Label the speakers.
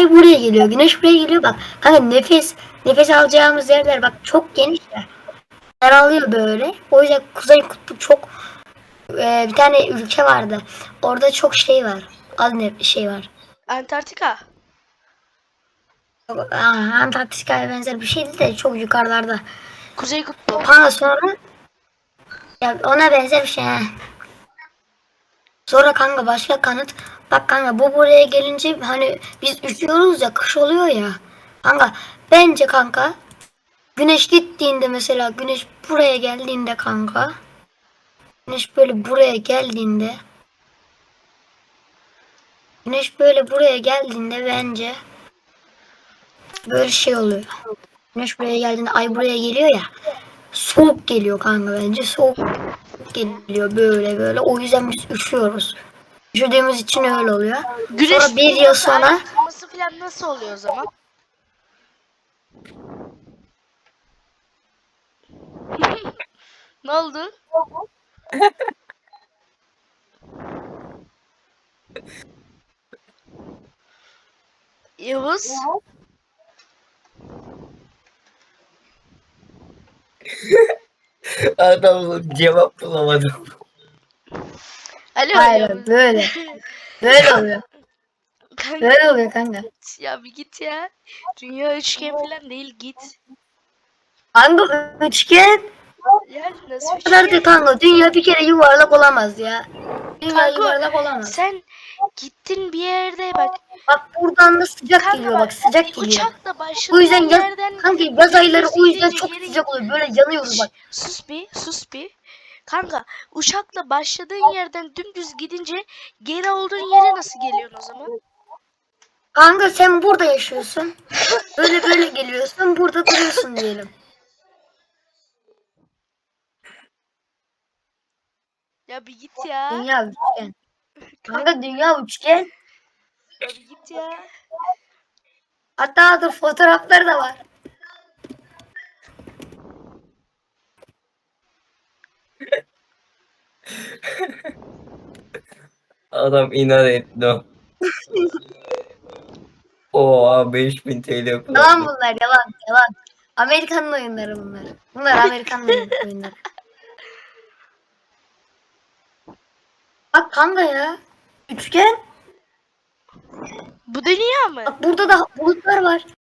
Speaker 1: ay buraya geliyor, güneş buraya geliyor bak. Kanka nefes alacağımız yerler bak çok geniş ya. Daralıyor böyle. O yüzden Kuzey Kutbu çok bir tane ülke vardı. Orada çok şey var. Az ne şey var.
Speaker 2: Antarktika.
Speaker 1: Antarktika'ya benzer bir şeydi de çok yukarılarda.
Speaker 2: Kuzey Kutbu.
Speaker 1: Kanka sonra ya ona benzer bir şey. He. Sonra kanka başka kanıt. Bak kanka bu buraya gelince hani biz üşüyoruz ya kış oluyor ya. Kanka bence kanka güneş gittiğinde mesela güneş buraya geldiğinde kanka. Güneş böyle buraya geldiğinde. Güneş böyle buraya geldiğinde bence böyle şey oluyor. Güneş buraya geldiğinde ay buraya geliyor ya. Soğuk geliyor kanka bence. Soğuk geliyor böyle böyle. O yüzden biz üşüyoruz. Üşüdüğümüz için öyle oluyor.
Speaker 2: Güneş
Speaker 1: Sonra bir yıl
Speaker 2: tutulması, ay
Speaker 1: sonra
Speaker 2: tutulması falan nasıl oluyor o zaman? Ne oldu? Yavuz?
Speaker 3: Adam cevap bulamadım.
Speaker 2: Alo
Speaker 1: hayır
Speaker 2: Yavuz.
Speaker 1: böyle. Böyle oluyor.
Speaker 2: Kanka
Speaker 1: Böyle oluyor kanka.
Speaker 2: ya bir git ya. Dünya üçgen falan değil git.
Speaker 1: Kanka üçgen
Speaker 2: Ya nasıl
Speaker 1: kadar da
Speaker 2: üçgen?
Speaker 1: kanka. Dünya bir kere yuvarlak olamaz ya. Dünya
Speaker 2: Kanka
Speaker 1: yuvarlak olamaz.
Speaker 2: sen gittin bir yerde bak.
Speaker 1: Bak buradan da sıcak
Speaker 2: Kanka
Speaker 1: geliyor
Speaker 2: bak
Speaker 1: bak sıcak geliyor.
Speaker 2: uçakla
Speaker 1: O yüzden
Speaker 2: başladığın
Speaker 1: yaz,
Speaker 2: yerden
Speaker 1: kanka yaz ayları
Speaker 2: dümdüz
Speaker 1: o yüzden
Speaker 2: gidince
Speaker 1: çok
Speaker 2: geri...
Speaker 1: sıcak oluyor. Böyle yanıyoruz
Speaker 2: Şş,
Speaker 1: bak.
Speaker 2: sus bir. Kanka uçakla başladığın yerden dümdüz gidince geri olduğun yere nasıl geliyorsun o zaman?
Speaker 1: Kanka sen burada yaşıyorsun. Böyle geliyorsun. Burada duruyorsun diyelim.
Speaker 2: Ya bir git ya.
Speaker 1: Dünya üçgen.
Speaker 2: Kanka
Speaker 1: Kanka dünya üçgen.
Speaker 2: ya bir git ya.
Speaker 1: Hatta dur fotoğrafları da var.
Speaker 3: Adam inat etti. Oha 5000 TL
Speaker 1: Yalan
Speaker 3: kullandı.
Speaker 1: bunlar yalan. Amerikan'ın oyunları bunlar. Bunlar Amerikan'ın oyunları. Bak kanka ya. Üçgen.
Speaker 2: Bu dünya mı?
Speaker 1: Bak burada da bulutlar var.